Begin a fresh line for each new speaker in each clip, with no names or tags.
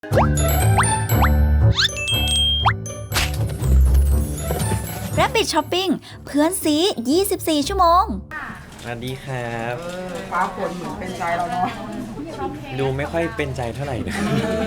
Rabbit Shopping เพื่อนซี24 ชั่วโมง
สวัสดีครับ
ฟ้าฝนเหมือนเป็นใจเราเนาะ
ดูไม่ค่อยเป็นใจเท่าไหร่นะ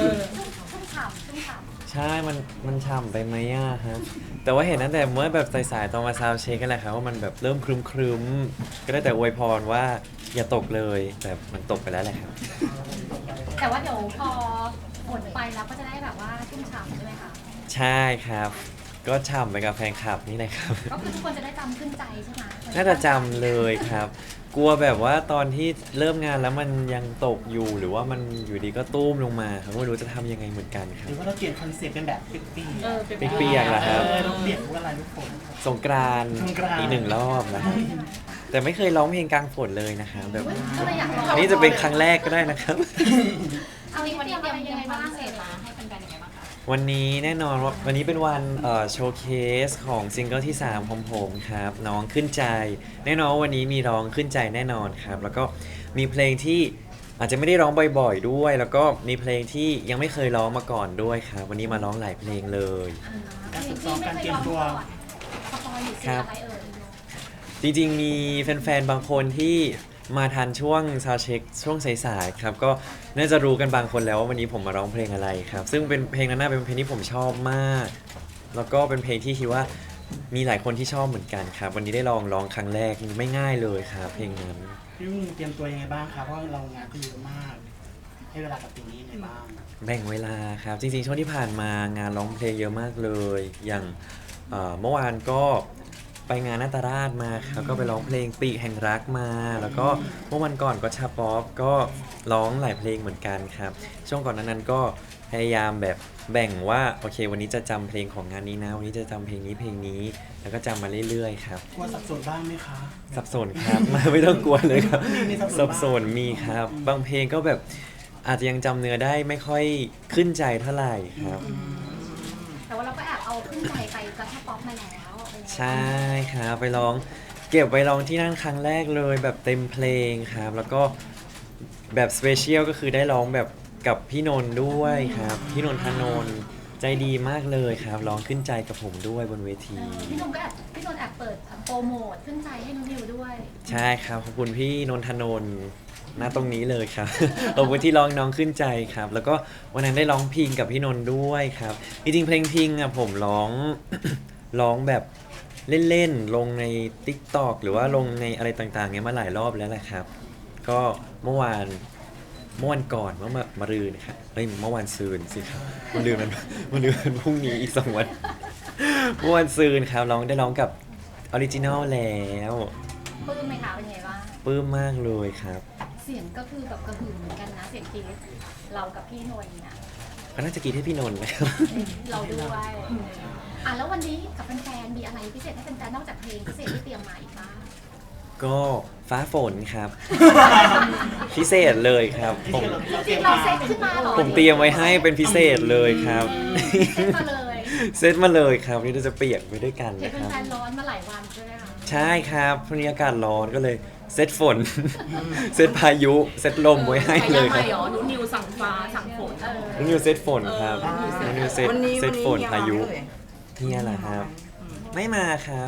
ใช่มันฉ่ำไปไหมอ่ะฮะแต่ว่าเห็นตั้งแต่เมื่อแบบสายๆตอนมาซาวเช็คกันแหละครับว่ามันแบบเริ่มครึ้มๆก็ได้แต่อวยพรว่าอย่าตกเลยแต่มันตกไปแล้วแหละครับ
แต่ว่าเดี๋ยวพอฝนไปแล้วก็จะได้แบบว่าชุ่มฉ่ำใช่ไหมคะ
ใช่ครับก็ฉ่ำไปกับแฟนคลับนี่แหละครับ
ก็คือทุกคนจะได้จำขึ้นใจใช่ไหม
น่าจะจำเลยครับกลัวแบบว่าตอนที่เริ่มงานแล้วมันยังตกอยู่หรือว่ามันอยู่ดีก็ตุ้มลงมาครับไม่รู้จะทำยังไงเหมือนกันครับ
หรือว่าเราเปลี่ยนคอนเซ็ปต์เป็นแบบเ
ปียกๆเหรอครับ
เราเปลี่ยนว่าอะไรลูกฝน
สงกรานต์อีกหนึ่งรอบนะครับแต่ไม่เคยร้องเพลงกลางฝนเลยนะครับแบบนี่จะเป็นครั้งแรกก็ได้นะครับ
เอาวันนี้เตรียมยังไงบ้างเสร็จมาให้เป็นการยังไงบ้างคะ
วันนี้แน่นอนว่าวันนี้เป็นวันโชว์เคสของซิงเกิลที่3ของผมครับน้องขึ้นใจแน่นอนวันนี้มีร้องขึ้นใจแน่นอนครับแล้วก็มีเพลงที่อาจจะไม่ได้ร้องบ่อยๆด้วยแล้วก็มีเพลงที่ยังไม่เคยร้องมาก่อนด้วยครับวันนี้มาร้องหลายเพลงเลย
การฝึกซ้อมการเตรียมตัว
ครับจริงๆมีแฟนๆบางคนที่มาทันช่วงซาวด์เช็คช่วงสายๆครับก็น่าจะรู้กันบางคนแล้วว่าวันนี้ผมมาร้องเพลงอะไรครับซึ่งเป็นเพลงนั้นน่าเป็นเพลงที่ผมชอบมากแล้วก็เป็นเพลงที่คิดว่ามีหลายคนที่ชอบเหมือนกันครับวันนี้ได้ลองร้องครั้งแรกไม่ง่ายเลยครับเพลงนั้น
พี่ลุงเตรียมตัวยังไงบ้างครับเพราะเรางานก็เยอะมากให้เวลากับตรงนี้ยังไงบ้าง
แบ่งเวลาครับจริงๆช่วงที่ผ่านมางานร้องเพลงเยอะมากเลยอย่างเมื่อวานก็ไปงานนาตราชมาครับก็ไปร้องเพลงปีกแห่งรักมาแล้วก็เมื่อวันก่อนก็ชาป๊อปก็ร้องหลายเพลงเหมือนกันครับช่วงก่อนนั้นก็พยายามแบบแบ่งว่าโอเควันนี้จะจำเพลงของงานนี้นะวันนี้จะจำเพลงนี้แล้วก็จำมาเรื่อยๆครับ
กลัวสับสนบ้างไหมคะ
สับสนครับ ไม่ต้องกลัวเลยครับสับสนมีครับบางเพลงก็แบบอาจจะยังจำเนื้อได้ไม่ค่อยขึ้นใจเท่าไหร่ครับ
แต่ว่าเราก็แอบเอาขึ้นใจไปกระทบป๊อปมาแล้ว
ใช่ครับไปร้องเก็บไปร้องที่นั่นครั้งแรกเลยแบบเต็มเพลงครับแล้วก็แบบสเปเชียลก็คือได้ร้องแบบกับพี่นนท์ด้วยครับพี่นนทนนท์ใจดีมากเลยครับร้องขึ้นใจกับผมด้วยบนเวที
พี่นนท์แอบเปิดโปรโมทขึ้นใจให้น้องนิวด้วย
ใช่ครับขอบคุณพี่นนทนนท์ณตรงนี้เลยครับ ขอบคุณที่ร้องน้องขึ้นใจครับแล้วก็วันนั้นได้ร้องพิงกับพี่นนท์ด้วยครับจริงๆเพลงพิงอ่ะผมร้อง ร้องแบบเล่นๆลงใน TikTok หรือว่าลงในอะไรต่างๆเนี้ยมาหลายรอบแล้วแหละครับก็เมื่อวานก่อนเมื่อมารืนครับเมื่อวานซืนสิครับมันลืมมันพรุ่งนี้อีก2 วันเมื่อวานซืนครับได้ร้องกับออริจินัลแล้ว
ปลื้มไหมคะเป็นไงบ้าง
ปลื้มมากเลยครับ
เสียงก็คือแบบกระหึ่มเหมือนกันนะเสียงกรี๊ดเรากับพี่นนท์เนี่ย
ก็น่าจะกรี๊ดให้พี่นนท์นะครับ
เราด้วยแล้ววันนี้กับแฟนๆมีอะไรพิเศษให้แฟนๆนอกจากเพลงพิเศษที่เตรียมมาอีกบ้าง
ก็ฟ้าฝนครับ พิเศษเลยครับ
จริงเราเซตขึ้นมาหรอ
ผมเตรียมไว้ให้เป็นพิเศษเลยครับเซตมาเลยครับนี่เราจะเปียกไปด้วยกันนะครับ
แฟนร้อนมาหลายวันใช่ไหมคะ
ใช่ครับพรุ่งนี้อากาศร้อนก็เลยเซตฝน เซตพายุเซตลมไว้ให้เลยครับ
หนูนิวสั่งฟ้าสั่งฝน
นิวเซตฝนครับนิวเซตฝนพายุเฮียเหรอครับไม่มาครับ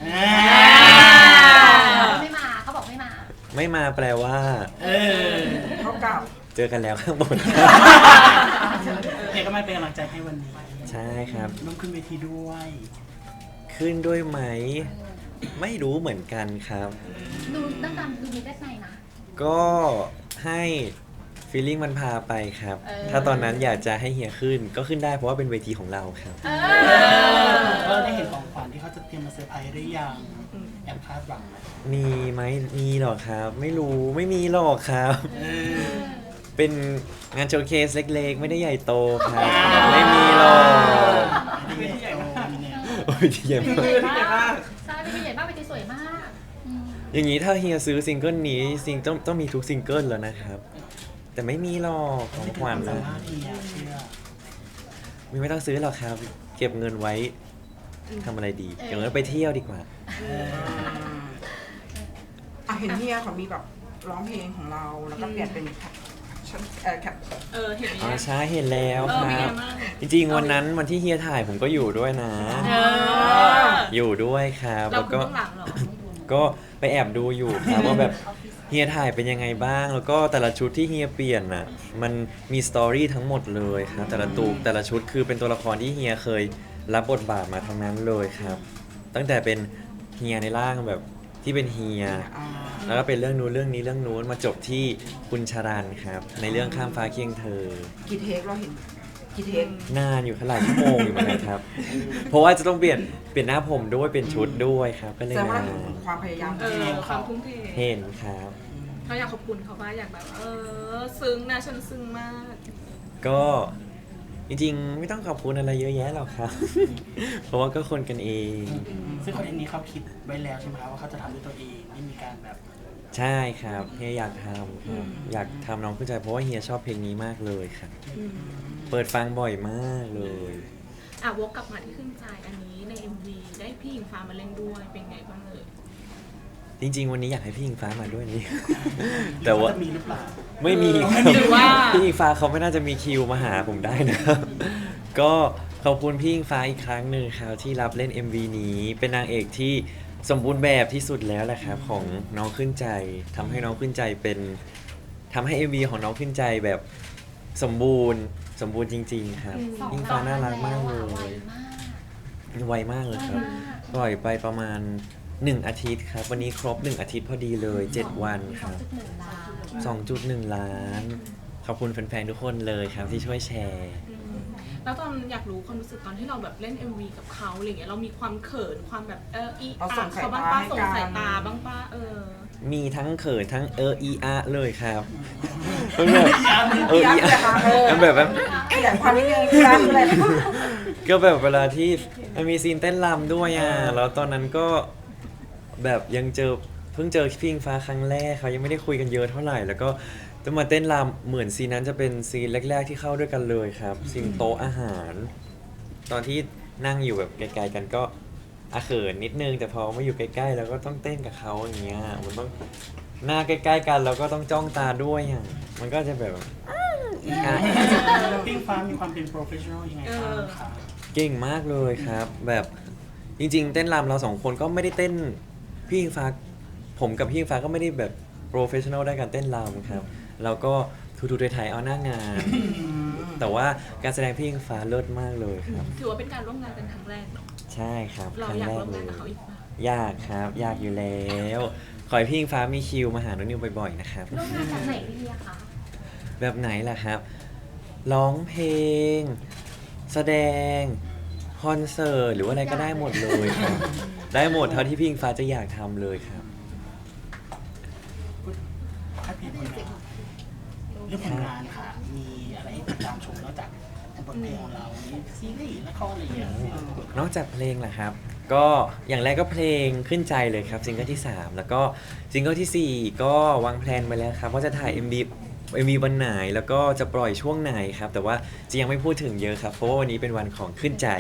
ไม่มาเขาบอก
ไม่มาแปลว่า
เขาเก่า
เจอกันแล้วข้างบน
เอกก็มาเป็นกำลังใจให้วันนี้
ใช่ครับ
ต้องขึ้นเวทีด้วย
ขึ้นด้วยไหมไม่รู้เหมือนกันครับ
ดูตั้งแต่ดูมีได้ไงนะ
ก็ให้ฟีลลิ่งมันพาไปครับถ้าตอนนั้นอยากจะให้เฮียขึ้นก็ขึ้นได้เพราะว่าเป็นเวทีของเราครับ
ก็ได้เห็นของขวัญที่เขาจะเตรียมมาเซอร์ไพรส์หรือยังแอบคาดหวังไหม
มีหรอครับไม่รู้ไม่มีหรอกครับเป็นงานโชว์เคสเล็กๆไม่ได้ใหญ่โตครับไม่มีหรอก
เวทีใหญ่มาก
เวทีใหญ่มาก
ใช่เวทีใหญ่มากเวทีสวยมาก
อย่างนี้ถ้าเฮียซื้อซิงเกิลนี้ต้องมีทุกซิงเกิลแล้วนะครับแต่ไม่มีหรอกของขวัญนะไม่ต้องซื้อหรอกครับเก็บเงินไว้ทำอะไรดีเก็บเงินไปเที่ยวดีกว่า
เห็นเฮียเขามีแบบร้องเพลงของเราแล้วก็เปลี่ยนเป็น
ฉันแคป
เห็นไหม
อ๋อใช่เห็นแล้วค
เป็น
รั
ไง
บ
บ้าง
จริงๆวันนั้นวันที่เฮียถ่ายผมก็อยู่ด้วยนะ
เออ
อยู่ด้วยครับ
เรา
แล้ว
คุณ
ก็
ต้องหลังเหรอ
ก็ไปแอบดูอยู่ครับ ว่าแบบเฮียถ่ายเป็นยังไงบ้าง แล้วก็แต่ละชุดที่เฮียเปลี่ยนน่ะมันมีสตอรี่ทั้งหมดเลยครับแต่ละชุดคือเป็นตัวละครที่เฮียเคยรับบทบาทมาทั้งนั้นเลยครับ ตั้งแต่เป็นเฮียในร่างแบบที่เป็นเฮีย แล้วก็เป็นเรื่องนู้นเรื่องนี้เรื่องนู้นมาจบที่คุณชารันครับในเรื่องข้ามฟ้าเคียงเธอ
กี่เทคเราเห็นกี่เทคน
านอยู่หลายชั่วโมงอยู่เหมือนกันครับ เพราะว่าจะต้องเปลี่ยนหน้าผมด้วยเปลี่ยนชุดด้วยครับ ก็เลย
แสดงว่า
นา
เราเห็น
น
ความพยายาม
ความทุ่มเท
เห็นครับ
เขาอยากขอบคุณเขาว่าอยากแบบซึ้งนะฉันซึ้งมาก
ก็จริงๆ ไม่ต้องขอบคุณอะไรเยอะแยะหรอกครับ เพราะว่าก็คนกันเอง
ซึ่งคอนเทนต์นี้เขาคิดไว้แล้วใช่ไหมครับว่าเขาจะทำด้วยตัวเองไม่มีการแบบ
ใช่ครับเฮียอยากทำครับอยากทำน้องขึ้นใจเพราะว่าเฮียชอบเพลงนี้มากเลยครับ เปิดฟังบ่อยมากเลย
วกกลับมาที่ขึ้นใจอันนี้ใน MV ได้พี่หญิงฟ้ามาเล่นด้วยเป็นไงบ้างเลย
จริง ๆ วันนี้อยากให้พี่อิงฟ้ามาด้วยนี่ แต่ว่า
จะมีหรือเปล่า
ไม่มี
หรือว่า
พี่อิงฟ้าเขาไม่น่าจะมีคิวมาหาผมได้นะครับ ก็ขอบคุณพี่อิงฟ้าอีกครั้งหนึ่งครับที่รับเล่น MV นี้เป็นนางเอกที่สมบูรณ์แบบที่สุดแล้วแหละครับของน้องขึ้นใจทำให้น้องขึ้นใจเป็นทำให้ MV ของน้องขึ้นใจแบบสมบูรณ์จริง ๆ ครับอิงฟ้าน่ารักมากเลย ไวมากเลยครับปล่อยไปประมาณ 1 อาทิตย์ครับ วันนี้ครบ 1 อาทิตย์พอดีเลย 7 วันครับ 2.1 ล้าน ขอบคุณแฟนๆ ทุกคนเลยครับที่ช่วยแชร์
แล้วตอนอยากรู้ความรู้สึกตอนที่เราแบบเล่น MV กับเขาอะไรเงี้ยเรามีความเขินความแบบเขาบ้างป้าส่งสายตาบ้างป้า
มีทั้งเขินทั้งอีอาเลยครับมันแบบอีอามันแบบ
ขยายความนิดนึงคืออะไร
ก็แบบเวลาที่มันมีซีนเต้นรำด้วยแล้วตอนนั้นก็แบบเพิ่งเจอพี่อิงฟ้าครั้งแรกเขายังไม่ได้คุยกันเยอะเท่าไหร่ แล้วก็ต้องมาเต้นรำเหมือนซีนนั้นจะเป็นซีนแรกๆที่เข้าด้วยกันเลยครับซีนโต๊ะอาหาร ตอนที่นั่งอยู่แบบไกลๆกันก็เขินนิดนึงแต่พอมาอยู่ใกล้ๆแล้วก็ต้องเต้นกับเขาอย่างเงี้ยมันต้องหน้าใกล้ๆกันแล้วก็ต้องจ้องตาด้วยมันก็จะแบบอีอา
ปิ้งฟ้ามีความเป็นโปรเฟชชั่นอลยังไงบ้างครับ
เก่งมากเลยครับ แบบจริงๆ เต้นรำเรา2 คนก็ไม่ได้เต้นพี่อิงฟ้าผมกับพี่อิงฟ้าก็ไม่ได้แบบโปรเฟชชั่นอลด้านการเต้นรำครับเราก็ทูๆไทยๆเอาหน้างาน แต่ว่าการแสดงพี่อิงฟ้าเลิศมากเลยครับ
ถือว่าเป็นการร่วมงานกันครั้งแรกเนาะ
ใช่ครับค
เรา
รั้ง
อยาก
แร
ร่
ก
วม
เล
งาน
ย
กับเขาอีกปะ
อยากครับอยากอยู่แล้วขอให้พี่อิงฟ้ามีคิวมาหาน้องนิวบ่อยๆนะครับ
ร่วมงานจากไหนดีอะคะ
แบบไหนล่ะครับ ร้องเพลง แสดง คอนเสิร์ต หรือว่าอะไรก็ได้หมดเลยครับ ได้หมดเท่าที่พี่อิงฟ้าจะอยากทำเลยครับ
ถ้าพี่ผลงานเรื่องผลงานค่ะ มีอะไรให้ติดตามชมนอกจากบทเพลงของเรามีซีรีส์ละครอะไรอย่างเงี้ย
นอกจากเพลงล่ะครับ ก็อย่างแรกก็เพลงขึ้นใจเลยครับซิงเกิลที่ 3 แล้วก็ซิงเกิลทีสี่4 ก็วางแผนไปแล้วครับว่าจะถ่าย MV วันไหนแล้วก็จะปล่อยช่วงไหนครับ แต่ว่าจะยังไม่พูดถึงเยอะครับ เพราะว่าวันนี้เป็นวันของขึ้นใจ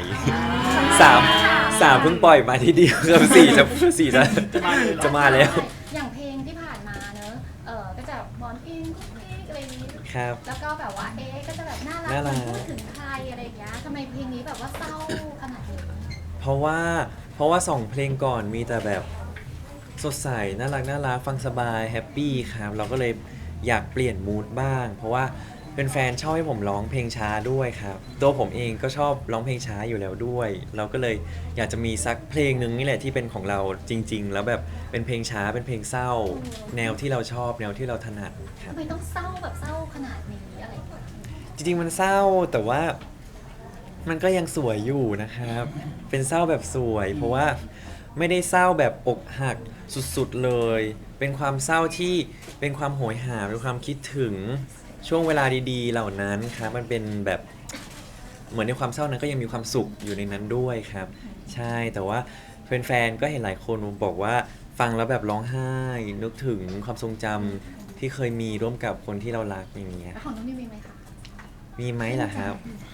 3 เพิ่งปล่อยมาทีเดียวครับ4จะมาแล้ว
อย่างเพลงที่ผ่านมาเนอะก็จะบอนอินกุ๊กกิ๊กอะไรอย่างนี้
ครับ
แล้วก็แบบว่าก็จะแบบน่ารัก
น่ารัก
พูดถึงใครอะไรอย่างเงี้ยทำไมเพลงนี้แบบว่าเศร้าขนาดนี้
เพราะว่า2 เพลงก่อนมีแต่แบบสดใสน่ารักฟังสบายแฮปปี้ครับเราก็เลยอยากเปลี่ยนมูดบ้าง เพราะว่าเป็นแฟนชอบให้ผมร้องเพลงช้าด้วยครับตัวผมเองก็ชอบร้องเพลงช้าอยู่แล้วด้วย เราก็เลยอยากจะมีสักเพลงหนึ่งนี่แหละที่เป็นของเราจริง ๆ แล้วแบบเป็นเพลงช้าเป็นเพลงเศร้า แนวที่เราชอบแนวที่เราถนัดครับ
ทำไมต้องเศร้าแบบเศร้าขนาดนี้อะไรอย่างเงี้ย
จริงๆมันเศร้าแต่ว่ามันก็ยังสวยอยู่นะครับ เป็นเศร้าแบบสวย เพราะว่าไม่ได้เศร้าแบบอกหักสุดๆเลย เป็นความเศร้าที่เป็นความโหยหาเป็นความคิดถึงช่วงเวลาดีๆ เหล่านั้นครับมันเป็นแบบเหมือนในความเศร้านั้นก็ยังมีความสุขอยู่ในนั้นด้วยครับ ใช่แต่ว่าแฟนๆก็เห็นหลายคนบอกว่าฟังแล้วแบบร้องไห้นึกถึงความทรงจำที่เคยมีร่วมกับคนที่เรารักอย่างเงี้ย
แล้วของน้องนิวมีไหมคะ
มีไหมล่ะครับ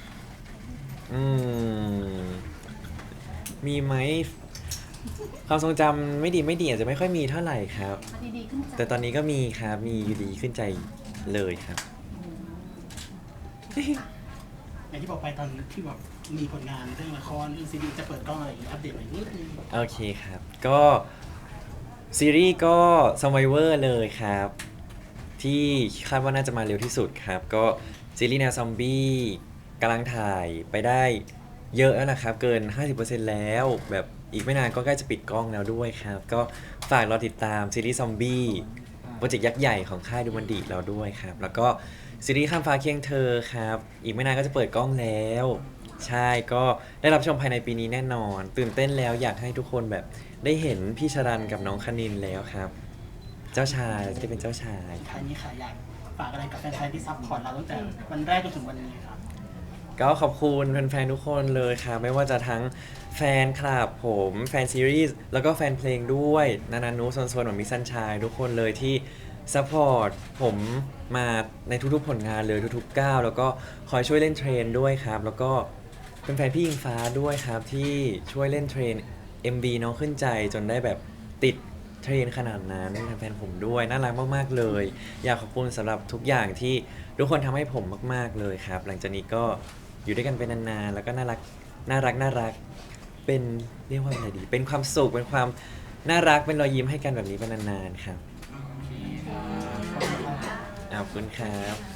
มีไหม ความทรงจำไม่ดีอาจจะไม่ค่อยมีเท่าไหร่ครับ
มาดีๆขึ้นใจ
แต่ตอนนี้ก็มีครับ มีอยู่ดีขึ้นใจเลยครับ
ออย่างที่บอกไปตอนที่แบบมีผลงานเรื่องละครเรื่องซีรีส์จะเปิดกล้องอะไรอย่างนี้อัปเดตหน่อยนิดนึง
โอเคครับ ก็ซีรีส์ก็ Survivor เลยครับ ที่คาดว่าน่าจะมาเร็วที่สุดครับ ก็ซีรีส์แนวซอมบี้กำลังถ่ายไปได้เยอะแล้วนะครับ เกิน 50%แล้วแบบอีกไม่นานก็ใกล้จะปิดกล้องแล้วด้วยครับ ก็ฝากรอติดตามซีรีส์ซอมบี้โปรเจกต์ยักษ์ใหญ่ของค่ายดูมันดีเราด้วยครับ แล้วก็ซีรีส์ข้ามฟ้าเคียงเธอครับ อีกไม่นานก็จะเปิดกล้องแล้ว ใช่ก็ได้รับชมภายในปีนี้แน่นอน ตื่นเต้นแล้วอยากให้ทุกคนแบบได้เห็นพี่ชรันกับน้องคณินแล้วครับ เจ้าชายจะได้เป็นเจ้าชาย
ท้ายนี้ค่ะอยากฝากอะไรกับแฟนๆที่ซัพพอร์ตเราตั้งแต่วันแรกจนถึงวันนี้ครับ
ก็ขอบคุณแฟนๆทุกคนเลยครับไม่ว่าจะทั้งแฟนคลับผมแฟนซีรีส์แล้วก็แฟนเพลงด้วยนานานุโซนๆเหมือนมิสซันชายทุกคนเลยที่ซัพพอร์ตผมมาในทุกๆผลงานเลยทุกๆก้าวแล้วก็คอยช่วยเล่นเทรนด้วยครับแล้วก็เป็นแฟนพี่อิงฟ้าด้วยครับที่ช่วยเล่นเทรน MV น้องขึ้นใจจนได้แบบติดเทรนขนาดนั้นแฟนๆผมด้วยน่ารักมากๆเลย อยากขอบคุณสำหรับทุกอย่างที่ทุกคนทำให้ผมมากๆเลยครับหลังจากนี้ก็อยู่ด้วยกันเป็นนานๆแล้วก็น่ารักเป็นเรียกว่าอะไรดี เป็นความสุขเป็นความน่ารักเป็นรอยยิ้มให้กันแบบนี้เป็นนานๆครับขอบคุณครับ